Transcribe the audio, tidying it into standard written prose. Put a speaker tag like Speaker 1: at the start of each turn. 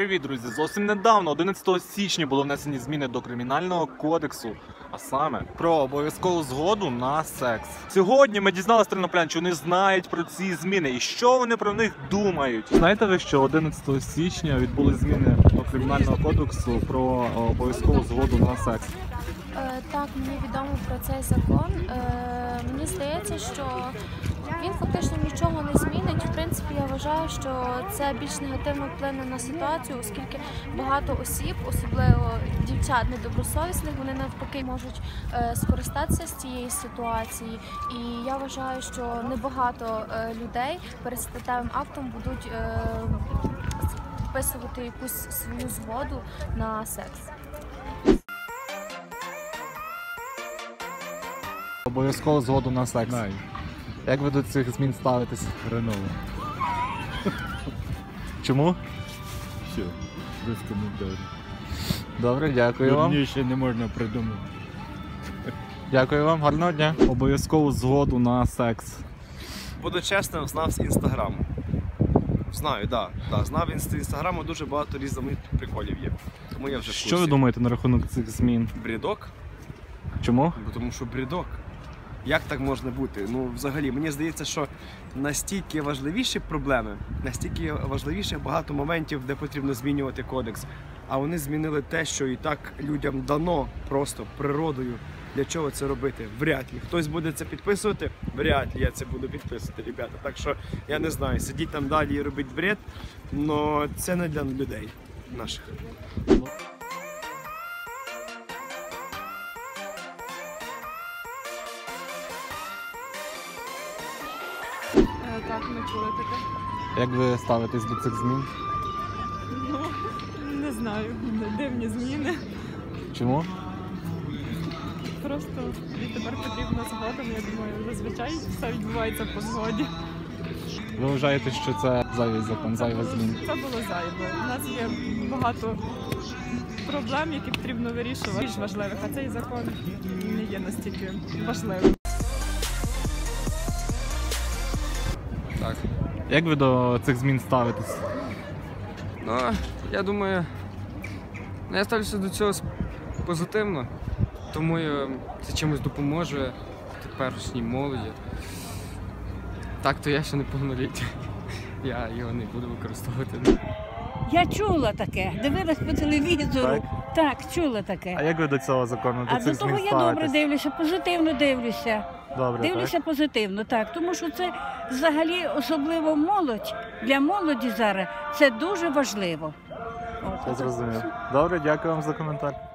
Speaker 1: Привіт, друзі! Зовсім недавно, 11 січня, були внесені зміни до Кримінального кодексу, а саме про обов'язкову згоду на секс. Сьогодні ми дізналися терноплян, що вони знають про ці зміни і що вони про них думають. Знаєте ви, що 11 січня відбули зміни до Кримінального кодексу про обов'язкову згоду на секс?
Speaker 2: Так, мені відомо про цей закон. Мені здається, що він фактично нічого не змінить. В принципі, я вважаю, що це більш негативно вплине на ситуацію, оскільки багато осіб, особливо дівчат недобросовісних, вони навпаки можуть скористатися з цієї ситуації. І я вважаю, що небагато людей перед статевим актом будуть вписувати якусь свою згоду на секс.
Speaker 1: Обов'язкову згоду на секс.
Speaker 3: Знаю.
Speaker 1: Як ви до цих змін ставитесь?
Speaker 3: Хреново.
Speaker 1: Чому?
Speaker 3: Все, без коментарів.
Speaker 1: Добре, дякую вам.
Speaker 3: Дурніше не можна придумати.
Speaker 1: Дякую вам, гарного дня. Обов'язкову згоду на секс.
Speaker 4: Буду чесним, знав з інстаграму. Знаю, да. Знав з інстаграму, дуже багато різних приколів є. Тому я вже в курсі.
Speaker 1: Що ви думаєте на рахунок цих змін?
Speaker 4: Брідок?
Speaker 1: Чому?
Speaker 4: Бо тому що брідок. Як так можна бути? Ну, взагалі, мені здається, що настільки важливіші проблеми, настільки важливіше багато моментів, де потрібно змінювати кодекс. А вони змінили те, що і так людям дано просто природою. Для чого це робити? Вряд ли. Хтось буде це підписувати? Вряд ли я це буду підписувати, ребята. Так що, я не знаю, сидіть там далі і робіть бред, але це не для людей наших.
Speaker 5: Так, ми чули таке.
Speaker 1: Як ви ставитесь до цих змін?
Speaker 5: Ну, не знаю, дивні зміни.
Speaker 1: Чому?
Speaker 5: Просто тепер потрібна згода, я думаю, зазвичай все відбувається по згоді.
Speaker 1: Ви вважаєте, що це зайвий закон, зайва змін?
Speaker 5: Це було зайве. У нас є багато проблем, які потрібно вирішувати, більш важливих, а цей закон не є настільки важливим.
Speaker 6: Так.
Speaker 1: Як ви до цих змін ставитесь?
Speaker 6: Ну, я думаю, я ставлюся до цього позитивно, тому це чимось допоможе теперішній молоді. Так, то я ще не повнолітній, я його не буду використовувати.
Speaker 7: Я чула таке, дивилась по телевізору. Так, чула
Speaker 1: А
Speaker 7: таке.
Speaker 1: як ви до цього закону, до
Speaker 7: А
Speaker 1: цих
Speaker 7: до
Speaker 1: змін
Speaker 7: того я
Speaker 1: ставитесь?
Speaker 7: добре дивлюся, позитивно дивлюся.
Speaker 1: Добре,
Speaker 7: Дивлюся
Speaker 1: так?
Speaker 7: позитивно, так. Тому що це взагалі, особливо молодь, для молоді зараз це дуже важливо.
Speaker 1: Я зрозумів. Добре, дякую вам за коментар.